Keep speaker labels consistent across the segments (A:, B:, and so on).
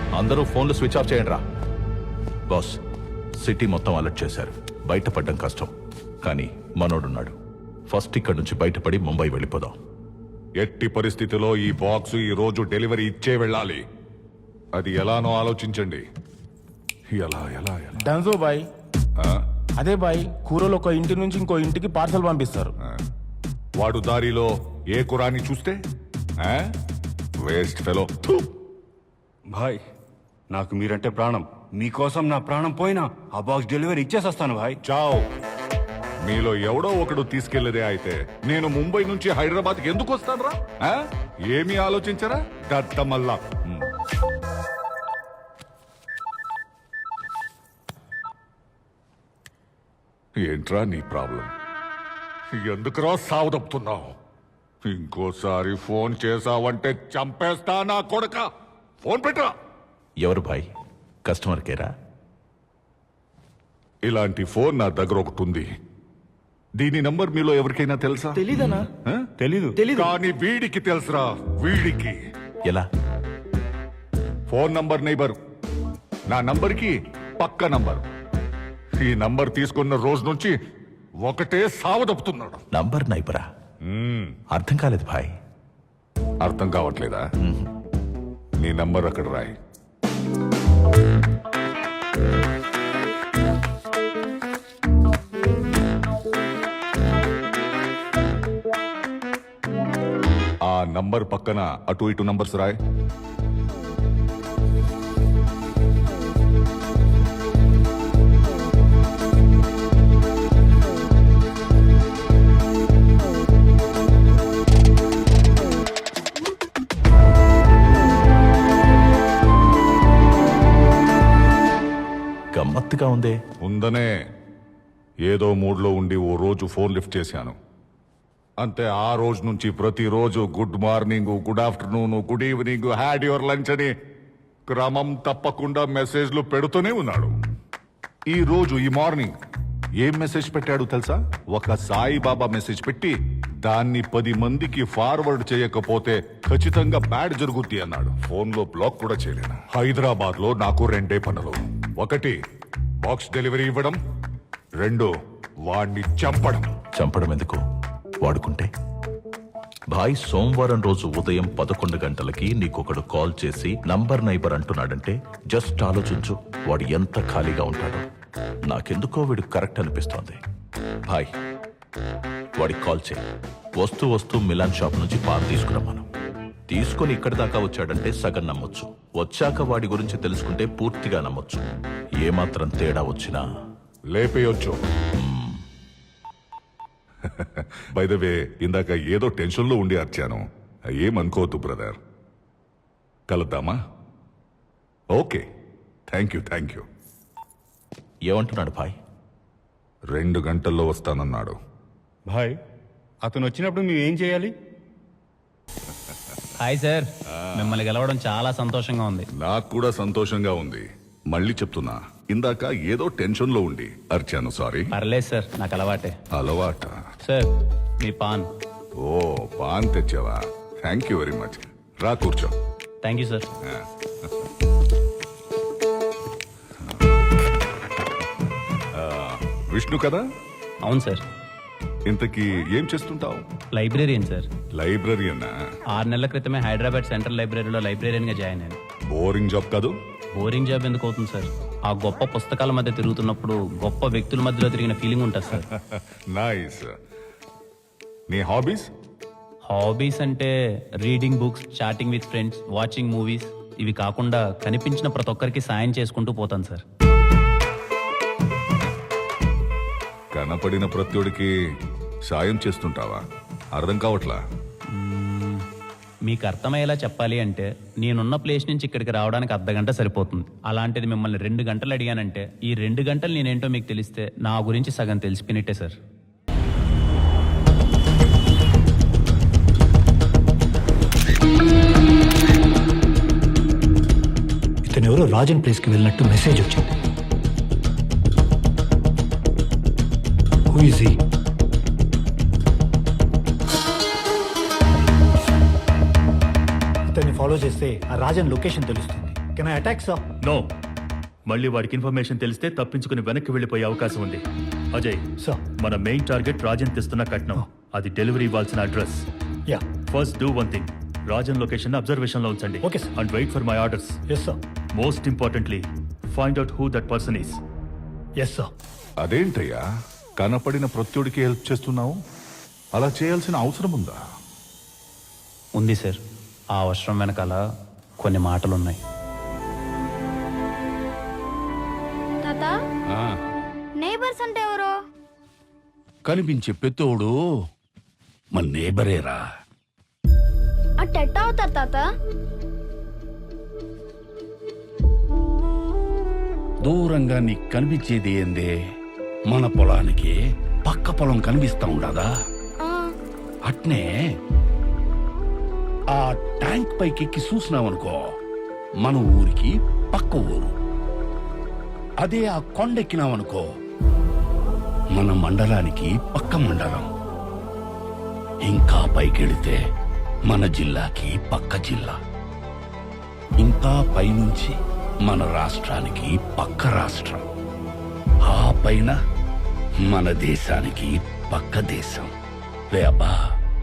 A: అందరూ ఫోన్లు switch off చేయండి రా. బాస్, సిటీ మొత్తం అలర్ట్ చేశారు. బయటపడడం కష్టం, కానీ మనోడున్నాడు. ఫస్ట్ ఇక్కడి నుంచి బయటపడి ముంబై వెళ్ళిపోదాం.
B: ఎట్టి పరిస్థితిలో ఈ బాక్స్ ఈ రోజు డెలివరీ ఇచ్చే వెళ్ళాలి. అది ఎలానో ఆలోచించండి. ఎలా ఎలా ఎలా
C: డన్జో బాయ్. అదే బాయ్, కూరలు ఒక ఇంటి నుంచి ఇంకో ఇంటికి పార్సల్ పంపిస్తారు.
B: వాడు దారిలో ఏ కురాని చూస్తే వేస్ట్ ఫెలో.
D: భాయ్, నాకు మీరంటే ప్రాణం. మీకోసం నా ప్రాణం పోయినా ఆ బాక్స్ డెలివరీ ఇచ్చేసొస్తాను భాయ్.
B: చావ్. మీలో ఎవడో ఒకడు తీసుకెళ్లేదే అయితే నేను ముంబై నుంచి హైదరాబాద్కి ఎందుకు వస్తాను రా? ఏమీ ఆలోచించరా దత్తమల్లా? ఏంట్రా నీ ప్రాబ్లం? ఎందుకురా సావదప్పుతున్నావు? ఇంకోసారి ఫోన్ చేసావంటే చంపేస్తా నా కొడక. ఫోన్ పెట్టరా.
A: ఎవరు భాయ్? కస్టమర్ కేరా?
B: ఇలాంటి ఫోన్ నా దగ్గర ఒకటి ఉంది. దీని నంబర్ మీలో ఎవరికైనా తెలుసా?
C: తెలీదనా?
D: తెలీదు.
B: కానీ వీడికి తెలుసురా. వీడికి
A: ఎలా?
B: ఫోన్ నంబర్ నైబర్, నా నంబర్కి పక్క నంబర్. ఈ నంబర్ తీసుకున్న రోజు నుంచి ఒకటే సావదప్పుతున్నాడు.
A: నంబర్ నైబరా? అర్థం కాలేదు భాయ్.
B: అర్థం కావట్లేదా? నీ నంబర్ అక్కడ రాయి. ఆ నంబర్ పక్కన అటు ఇటు నంబర్స్ రాయ్.
A: గమ్మత్తుగా ఉందే.
B: ఉందనే. ఏదో మూడ్లో ఉండి ఓ రోజు ఫోన్ లిఫ్ట్ చేశాను అంతే. ఆ రోజు నుంచి ప్రతిరోజు good morning, good afternoon, good evening, had your lunch అని క్రమం తప్పకుండా మెసేజ్లు పెడుతూనే ఉన్నాడు. ఈ రోజు ఈ మార్నింగ్ ఏం మెసేజ్ పెట్టాడు తెలుసా? ఒక సాయిబాబా మెసేజ్ పెట్టి దాన్ని 10 మందికి ఫార్వర్డ్ చేయకపోతే ఖచ్చితంగా బ్యాడ్ జరుగుద్ది అన్నాడు. ఫోన్ లో బ్లాక్ కూడా చేయలేను. హైదరాబాద్ లో నాకు 2 పనులు. 1 బాక్స్ డెలివరీ ఇవ్వడం, 2 వాణ్ణి చంపడం.
A: చంపడం ఎందుకు? వాడుకుంటే. భాయ్, సోమవారం రోజు ఉదయం 11 గంటలకి నీకొకడు కాల్ చేసి నంబర్ నైబర్ అంటున్నాడంటే జస్ట్ ఆలోచించు, వాడు ఎంత ఖాళీగా ఉంటాడో. నాకెందుకో వీడు కరెక్ట్ అనిపిస్తోంది. భాయ్, వాడికి కాల్ చేయి. వస్తూ వస్తూ మిలాన్ షాప్ నుంచి పాలు తీసుకురమ్మను. తీసుకుని ఇక్కడి దాకా వచ్చాడంటే సగం నమ్మొచ్చు. వచ్చాక వాడి గురించి తెలుసుకుంటే పూర్తిగా నమ్మొచ్చు. ఏమాత్రం తేడా వచ్చినా
B: లేపేయొచ్చు. బై ద వే, ఇందాక ఏదో టెన్షన్లో ఉండి అర్చాను. ఏమనుకోవద్దు బ్రదర్. కలుద్దామా? Okay, thank you.
A: ఏమంటున్నాడు భాయ్?
B: 2 గంటల్లో వస్తానన్నాడు.
D: భాయ్, అతను వచ్చినప్పుడు మేము ఏం చేయాలి?
E: హాయ్ సార్, మిమ్మల్ని గెలవడం చాలా సంతోషంగా ఉంది.
B: నాకు కూడా సంతోషంగా ఉంది. మళ్ళీ చెప్తున్నా, ఇందాక ఏదో టెన్షన్లో ఉండి అర్చాను. సారీ.
E: పర్లేదు సార్, నాకు అలవాటే.
B: అలవాట?
E: సార్, మీ పాన్.
B: ఓ, పాన్ తెచ్చావా? Thank you very much. రా కూర్చో.
E: Thank you sir.
B: విష్ణు కదా?
E: అవును సార్.
B: ఇంతకీ ఏం చేస్తుంటావు?
E: Librarian sir.
B: లైబ్రరీయనా?
E: 6 నెలల క్రితమే హైదరాబాద్ సెంట్రల్ లైబ్రరీలో లైబ్రేరియన్గా జాయిన్ అయ్యాను.
B: బోరింగ్ జాబ్ కాదు?
E: బోరింగ్ జాబ్ ఎందుకు అవుతుంది సార్? ఆ గొప్ప పుస్తకాల మధ్య తిరుగుతున్నప్పుడు గొప్ప వ్యక్తుల మధ్యలో తిరిగిన ఫీలింగ్ ఉంటుంది సార్.
B: నైస్. నీ హాబీస్?
E: హాబీస్ అంటే reading books, chatting with friends, watching movies. ఇవి కాకుండా కనిపించిన ప్రతి ఒక్కరికి సాయం చేసుకుంటూ పోతాను సార్.
B: కనపడిన ప్రత్యుడికి సాయం చేస్తుంటావా? అర్థం కావట్లా.
E: మీకు అర్థమయ్యేలా చెప్పాలి అంటే నేనున్న ప్లేస్ నుంచి ఇక్కడికి రావడానికి అర్ధగంట సరిపోతుంది. అలాంటిది మిమ్మల్ని 2 గంటలు అడిగానంటే ఈ 2 గంటలు నేనేంటో మీకు తెలిస్తే నా గురించి సగం తెలిసిపోయినట్టే సార్.
F: ఇతను ఎవరో రాజన్ ప్లేస్కి వెళ్ళినట్టు మెసేజ్ వచ్చింది. Who is he? ఇతన్ని ఫాలో చేస్తే ఆ రాజన్ లొకేషన్ తెలుస్తుంది. Can I attack sir?
G: No, మళ్ళీ వాడికి ఇన్ఫర్మేషన్ తెలిస్తే తప్పించుకుని వెనక్కి వెళ్ళిపోయే అవకాశం ఉంది. అజయ్,
F: సార్.
G: మన మెయిన్ టార్గెట్ రాజన్ తెస్తున్న కట్నం. అది డెలివరీ ఇవ్వాల్సిన address.
F: Yeah.
G: First do one thing, Rajan location observation లో ఉంచండి.
F: Okay, sir.
G: And wait for my orders.
F: Yes sir.
G: Most importantly, find out who that person is.
F: Yes sir.
B: అదేంటయ్యా కనపడిన ప్రత్యుడికి హెల్ప్ చేస్తున్నావు? అలా చేయాల్సిన అవసరం ఉందా?
E: ఉంది సార్. ఆ అవసరం వెనకాల కొన్ని మాటలున్నాయి.
H: తాత, నేబర్స్ అంటే ఎవరు?
I: కనిపించే పెత్తోడు మన నేబరేరా.
H: అట్టెట్ట అవుతారు తాత?
I: దూరంగా నీకు కనిపించేది ఏందే? మన పొలానికి పక్క పొలం కనిపిస్తా ఉండదా? అట్నే ఆ ట్యాంక్ పైకెక్కి చూసినావనుకో, మన ఊరికి పక్క ఊరు. అదే ఆ కొండెక్కినావనుకో, మన మండలానికి పక్క మండలం. ఇంకా పైకెడితే మన జిల్లాకి పక్క జిల్లా. ఇంకా పైనుంచి మన రాష్ట్రానికి పక్క రాష్ట్రం. ఆ పైన మన దేశానికి పక్క దేశం. రే అబ్బా,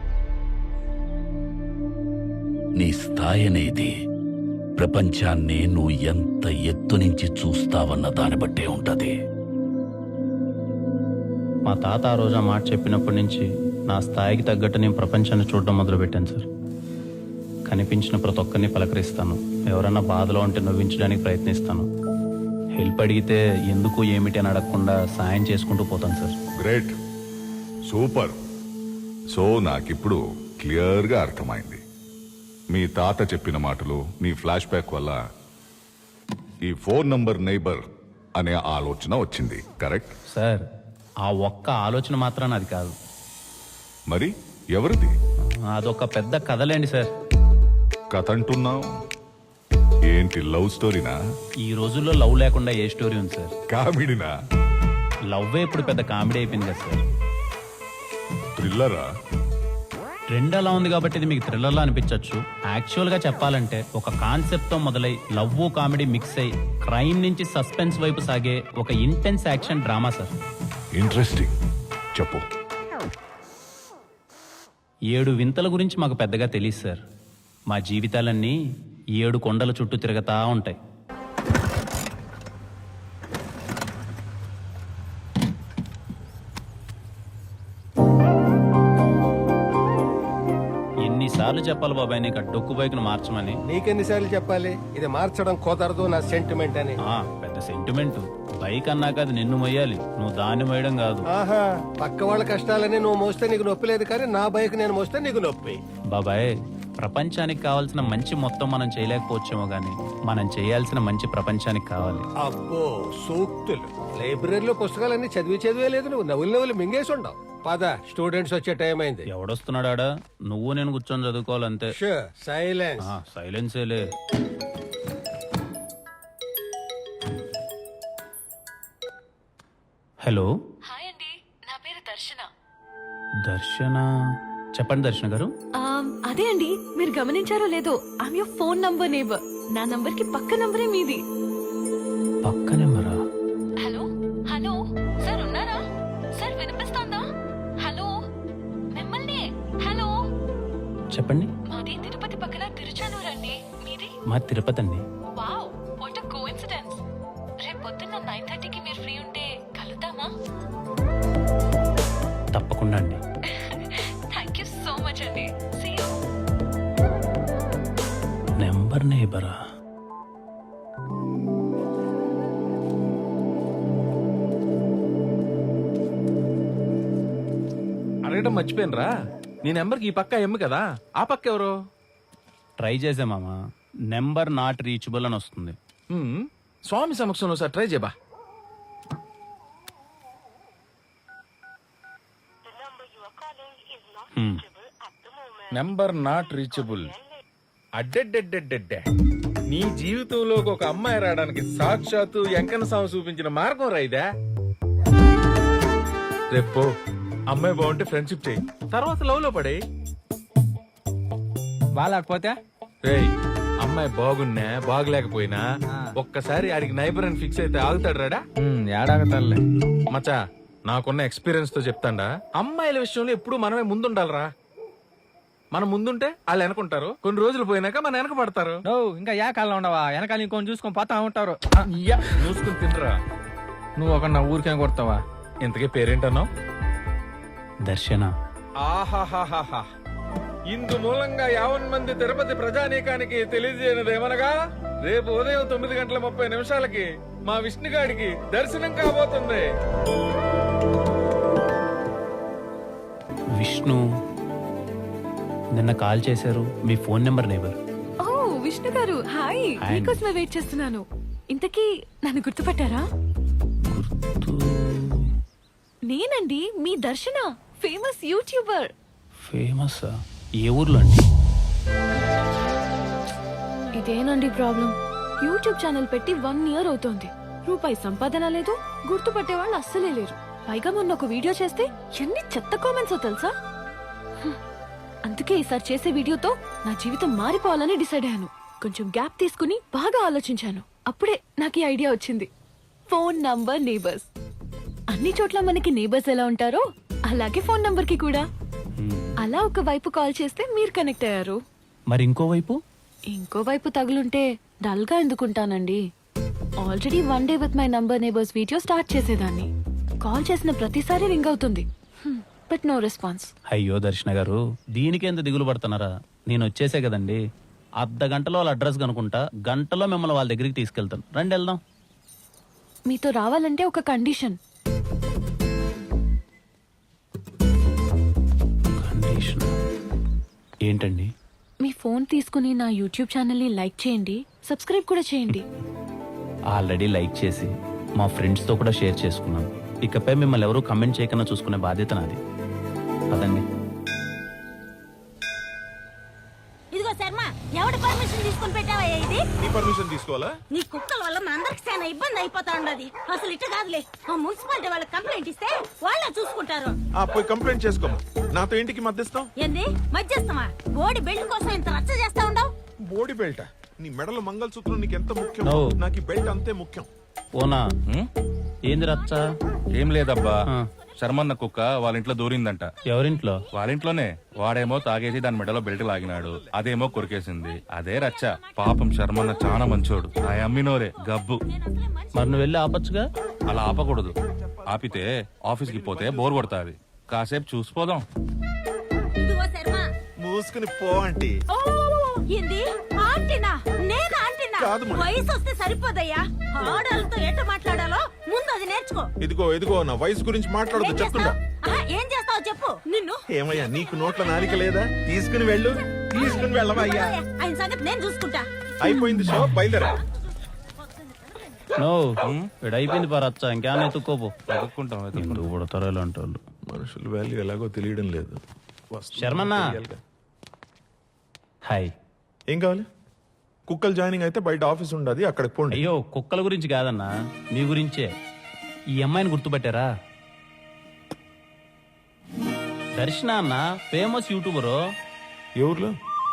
I: నీ స్థాయి అనేది ప్రపంచాన్ని నువ్వు ఎంత ఎత్తు నుంచి చూస్తావన్న దాన్ని బట్టే ఉంటది.
E: మా తాత ఆ రోజు ఆ మాట చెప్పినప్పటి నుంచి నా స్థాయికి తగ్గట్టు నేను ప్రపంచాన్ని చూడడం మొదలుపెట్టాను సార్. కనిపించిన ప్రతి ఒక్కరిని పలకరిస్తాను. ఎవరన్నా బాధలో ఉంటే నవ్వించడానికి ప్రయత్నిస్తాను. హెల్ప్ అడిగితే ఎందుకు ఏమిటి అని అడగకుండా సాయం చేసుకుంటూ పోతాను సార్.
B: Great, super. సో నాకిప్పుడు క్లియర్గా అర్థమైంది. మీ తాత చెప్పిన మాటలు, నీ ఫ్లాష్ బ్యాక్ వల్ల ఈ 4 నంబర్ నైబర్ అనే ఆలోచన వచ్చింది. కరెక్ట్
E: సార్, ఆ ఒక్క ఆలోచన మాత్రాన అది కాదు.
B: మరి ఎవరిది?
E: అదొక పెద్ద కథలేండి సార్.
B: కథ అంటున్నావు ఏంటి? లవ్ స్టోరీనా?
E: ఈ రోజుల్లో లవ్ లేకుండా ఏ స్టోరీ ఉంది సార్?
B: కామెడీనా?
E: లవ్వే ఇప్పుడు పెద్ద కామెడీ అయిపోయింది కదా సార్.
B: థ్రిల్లరా?
E: ట్రెండ్ అలా ఉంది కాబట్టి ఇది మీకు థ్రిల్లర్లా అనిపించవచ్చు. యాక్చువల్గా చెప్పాలంటే ఒక కాన్సెప్ట్తో మొదలై లవ్ కామెడీ మిక్స్ అయి క్రైమ్ నుంచి సస్పెన్స్ వైపు సాగే ఒక intense action drama sir.
B: Interesting, చెప్పు.
E: 7 వింతల గురించి మాకు పెద్దగా తెలియదు సార్. మా జీవితాలన్నీ 7 కొండల చుట్టూ తిరగతా ఉంటాయి. ఎన్నిసార్లు చెప్పాలి బాబాయ్ నీకు ఆ డొక్కు బైక్ను మార్చమని?
J: నీకెన్నిసార్లు చెప్పాలి ఇది మార్చడం కుదరదు నా సెంటిమెంట్ అని?
E: పెద్ద సెంటిమెంట్. బైక్ అన్నాక అది నిన్ను మొయ్యాలి, నువ్వు దాన్ని మొయ్యడం కాదు.
J: ఆహా, పక్క వాళ్ళ కష్టాలని నువ్వు మోస్తే నీకు నొప్పి లేదు, కానీ నా బైక్ నేను మోస్తే నీకు నొప్పి.
E: బాబాయ్, ప్రపంచానికి కావాల్సిన మంచి మొత్తం మనం చేయలేకపోవచ్చేమో గానీ మనం చేయాల్సిన మంచి ప్రపంచానికి కావాలి.
J: అబ్బో సూక్తులు! లైబ్రరీలో పుస్తకాలన్నీ చదివే లేదు, నువ్వు నవ్వులు మింగేసి ఉండవు. పద, స్టూడెంట్స్ వచ్చే టైం అయింది.
E: ఎవడొస్తున్నాడా? నువ్వు నేను కూర్చొని చదువుకోవాలంతే.
J: సైలెన్స్.
E: సైలెన్సేలే. హలో.
K: హాయ్ అండి, నా పేరు దర్శన.
E: దర్శన? చెప్పండి దర్శన గారు.
K: అదే అండి, మీరు గమనించారో లేదో, I'm your phone number neighbour. నా నంబర్ కి పక్క నంబరే మీది.
E: పక్క నెంబరా?
K: హలో హలో, సార్ ఉన్నారా? సార్ వినిపిస్తోందా? హలో, మిమ్మల్ని. హలో,
E: చెప్పండి.
K: మాది తిరుపతి పక్కన తిరుచానూరు అండి. మీది?
E: మా తిరుపతి అండి.
K: Wow, what a coincidence. రేపు పొద్దున్న 9:30కి మీరు ఫ్రీ ఉంటే కలుద్దామా?
E: తప్పకుండా అండి.
K: థ్యాంక్ యూ సో మచ్ అండి. See you.
E: నెంబర్ నేబరా?
C: అడగడం మర్చిపోయినరా, నీ నెంబర్కి ఈ పక్క ఎమ్ము కదా, ఆ పక్క ఎవరు?
E: ట్రై చేసే మామ, నెంబర్ నాట్ రీచబుల్ అని వస్తుంది.
C: స్వామి సమక్షంలో సార్ ట్రై చేయబా. Number not reachable. అడ్డెడ్డెడ్డెడ్డెడ్డే, నీ జీవితంలోకి ఒక అమ్మాయి రావడానికి సాక్షాత్తు వెంకన్న స్వామి చూపించిన మార్గం రైదా. రేపు అమ్మాయి బాగుంటే ఫ్రెండ్షిప్ చేయి, తర్వాత లవ్ లో పడే.
J: బాగాలేకపోతే
C: రేయ్, అమ్మాయి బాగున్నా బాగలేకపోయినా ఒక్కసారి ఆడికి నైబర్ అని ఫిక్స్ అయితే ఆగుతాడు రాడా?
J: ఏడాగతాలే.
C: మచా నాకున్న ఎక్స్పీరియన్స్ తో చెప్తాండా, అమ్మాయిల విషయంలో ఎప్పుడు మనమే ముందుండాలరా. మనం ముందుంటే వాళ్ళు వెనకుంటారు, కొన్ని రోజులు పోయినాక మన వెనక పడతారు.
J: ఇంకా ఏ కాలంలో ఉండవా? వెనకాల ఇంకొని చూసుకొని పోతా ఉంటారు.
C: చూసుకుని తినరా.
J: నువ్వు ఒక నా ఊరికే కొడతావా?
C: ఇంతకీ పేరేంటన్నావు?
E: దర్శన.
C: ఆహాహాహా, ఇందు మూలంగా 50 మంది తిరుపతి ప్రజానీకానికి తెలియజేయనిదేమనగా రేపు ఉదయం 9:30 మా విష్ణుగాడికి దర్శనం కాబోతుంది.
E: విష్ణు నిన్న కాల్ చేశారు, మీ ఫోన్ నెంబర్ నేబర్.
K: ఓ విష్ణు గారు, హాయ్.
E: హాయ్.
K: మీకోసమే వెయిట్ చేస్తున్నాను. ఇంతకీ నన్ను గుర్తుపట్టారా? నేనండి మీ దర్శన, ఫేమస్ యూట్యూబర్.
E: ఫేమస్? ఏ ఊర్లో అండి?
K: ఇదేనండి ప్రాబ్లం. యూట్యూబ్ ఛానల్ పెట్టి 1 ఇయర్ అవుతోంది. రూపాయి సంపాదన లేదు, గుర్తుపట్టే వాళ్ళు అస్సలే లేరు. పైగా మొన్న ఒక వీడియో చేస్తే ఎన్ని చెత్త కామెంట్స్ తెలుసా? అందుకే ఈసారి చేసే వీడియోతో నా జీవితం మారిపోవాలని డిసైడ్ అయ్యాను. కొంచెం గ్యాప్ తీసుకుని బాగా ఆలోచించాను. అప్పుడే నాకు ఈ ఐడియా వచ్చింది. Phone number neighbours. అన్ని చోట్ల మనకి నేబర్స్ ఎలా ఉంటారో అలాగే ఫోన్ నంబర్ కి కూడా. అలా ఒక వైపు కాల్ చేస్తే మీరు కనెక్ట్ అయ్యారు.
E: మరి ఇంకోవైపు?
K: ఇంకోవైపు తగులుంటే డల్ గా ఎందుకుంటానండి? Already 1 day with my number neighbours video start చేసేదాన్ని. కాల్ చేసిన ప్రతిసారి రింగ్ అవుతుంది, బట్ నో రెస్పాన్స్.
E: అయ్యో దర్శన గారు, దీనికి ఎంత దిగులు పడుతున్నారా? నేను వచ్చేసే కదండి. అర్ధ గంటలో వాళ్ళ అడ్రస్ కనుకుంటా, గంటలో మిమ్మల్ని వాళ్ళ దగ్గరికి తీసుకెళ్తాను. రండి వెళ్దాం.
K: మీతో రావాలంటే ఒక కండిషన్.
E: కండిషన్ ఏంటండి?
K: మీ ఫోన్ తీసుకుని నా యూట్యూబ్ ఛానల్ ని లైక్ చేయండి, సబ్స్క్రైబ్ కూడా చేయండి.
E: ఆల్రెడీ లైక్ చేసి మా ఫ్రెండ్స్తో కూడా షేర్ చేసుకున్నాను. ఇకపై మిమ్మల్ని ఎవరూ కమెంట్ చేయకుండా చూసుకునే బాధ్యత నాది. పదండి.
H: ఇదిగో శర్మ, ఎవడి పర్మిషన్ తీసుకుని పెట్టావయ్యా ఇది?
C: నీ పర్మిషన్ తీసుకోవాలా?
H: నీ కుక్కల వల్ల మా అందరికి చాలా ఇబ్బంది అయిపోతా ఉండదు. అసలు ఇట్ట కాదులే, ఆ మున్సిపాలిటీ వాళ్ళకి కంప్లైంట్ ఇస్తే వాళ్ళే చూసుకుంటారు.
C: పోయి కంప్లైంట్ చేసుకోమా. నాతో ఇంటికి మధ్యస్థం
H: ఏంది మధ్యస్థమా? బోడి బెల్ట్ కోసం ఇంత రచ్చ చేస్తా ఉండవు.
C: బోడి బెల్ట్? నీ మెడలో మంగళసూత్రం నీకు ఎంత ముఖ్యం,
E: No.
C: నాకు ఈ బెల్ట్ అంతే ముఖ్యం.
E: ఓనా? ఏంది రచ్చ?
D: ఏం లేదబ్బా, శర్మన్న కుక్క వాళ్ళ ఇంట్లో దూరిందంట.
E: ఎవరింట్లో?
D: వాళ్ళ ఇంట్లోనే. వాడేమో తాగేసి దాని మెడలో బెల్ట్ లాగినాడు, అదేమో కొరికేసింది. అదే రచ్చ. పాపం శర్మన్న చాలా మంచోడు. ఆ అమ్మినోరే గబ్బు.
E: మరి నువ్వు వెళ్ళి ఆపచ్చుగా.
D: అలా ఆపకూడదు. ఆపితే ఆఫీస్కి పోతే బోర్ కొడతాది. కాసేపు చూసిపోదాం.
H: ఇదిగో శర్మ,
C: మూసుకుని పో అంటే.
H: ఏంది ఆంటీనా? నేను ఆంటీనా? వయసు వస్తే సరిపోదయ్యా. ఆడాలతో ఎట్ట మాట్లాడాలో ముందు అది నేర్చుకో.
C: ఇదిగో నా వయసు గురించి మాట్లాడదు చెప్తుండా.
H: ఏం చేస్తావు చెప్పు. నిన్ను
C: ఏమయ్యా, నీకు నోట్ల నాలిక లేదా? తీసుకుని వెళ్ళు. తీసుకుని వెళ్ళవయ్యా.
H: ఆయన సంగతి నేను చూసుకుంటా.
C: అయిపోయింది షో, బయలుదేరా.
E: నో, ఇక్కడ అయిపోయింది పా రచ్చ. ఇంకేమైనా ఎత్తుక్కోపో.
D: వెతుక్కుంటాం.
E: ఎందుకు పుడతారో ఇలాంటి వాళ్ళు.
C: మనుషుల వాల్యూ ఎలాగో తెలియడం లేదు.
E: శర్మన్న. హాయ్.
C: ఏం కావాలి? కుక్కలు జాయినింగ్ అయితే బయట ఆఫీస్ ఉండదు, అక్కడికి పోండి.
E: అయ్యో, కుక్కల గురించి కాదన్నా, మీ గురించే. ఈ అమ్మాయిని గుర్తుపట్టారా? దర్శన అన్న, ఫేమస్ యూట్యూబరు.
C: ఏ ఊర్లో?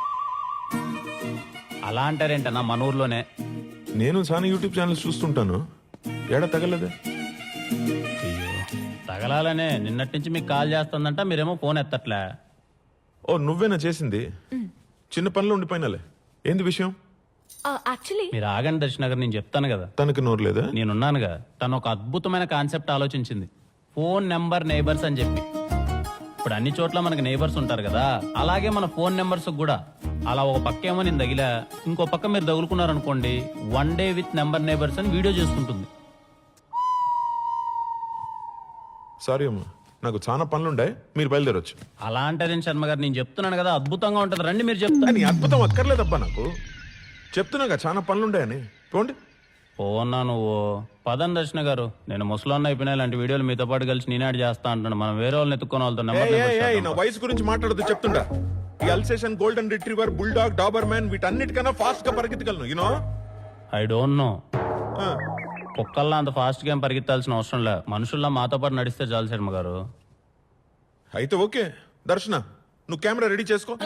E: అలా అంటారేంటన్నా, మన ఊర్లోనే.
C: నేను చాలా యూట్యూబ్ ఛానల్స్ చూస్తుంటాను. ఏడా తగలదే?
E: అయ్యో, తగలాలనే నిన్నటి నుంచి మీకు కాల్ చేస్తుందంట, మీరేమో ఫోన్ ఎత్తట్లే.
C: ఓ, నువ్వేనా చేసింది? చిన్న పనిలో ఉండిపోయినాలే. ఏంది విషయం?
K: యాక్చువల్లీ
E: మీరు ఆగండి దర్శన గారు, నేను చెప్తాను కదా.
C: తనకి నోరు లేదా?
E: నేనున్నానుగా. తను ఒక అద్భుతమైన కాన్సెప్ట్ ఆలోచించింది, ఫోన్ నెంబర్ నేబర్స్ అని చెప్పి. ఇప్పుడు అన్ని చోట్ల మనకి నేబర్స్ ఉంటారు కదా, అలాగే మన ఫోన్ నెంబర్స్ కూడా. అలా ఒక పక్క ఏమో నేను తగిలా, ఇంకో పక్క మీరు తగులుకున్నారనుకోండి, 1 డే విత్ నెంబర్ నేబర్స్ అని వీడియో చేసుకుంటుంది.
C: సారీ అమ్మా, నాకు చాలా పనులుండే, మీరు బయలుదేరొచ్చు.
E: అలా అంటారేం శర్మ గారు, నేను చెప్తున్నాను కదా అద్భుతంగా ఉంటుంది, రండి మీరు చెప్తాను.
C: నీ అద్భుతం అక్కర్లేదబ్బా, నాకు చెప్తున్నాగా చాలా పనులుండాయని. పోండి.
E: పోన్నా నువ్వు. పదం దర్శన గారు, నేను ముసలాన్న అయిపోయినా ఇలాంటి వీడియోలు మీతో పాటు కలిసి నేనాడు చేస్తా అంటాను. మనం వేరే వాళ్ళని ఎత్తుకొని వాళ్ళతో
C: నా వయసు గురించి మాట్లాడదు చెప్తుంటా. ఈ Alsatian, golden retriever, bulldog, Doberman వీటన్నిటికన్నా ఫాస్ట్ గా పరిగెత్తగలను. యూనో?
E: I don't know. కుక్కల్లా అంత ఫాస్ట్ గా పరిగెత్తాల్సిన అవసరం లే, మనుషుల్లా మాతో పాటు నడిస్తే చాలు శర్మ గారు.
C: అయితే ఓకే. దర్శన, నువ్వు కెమెరా రెడీ చేసుకో.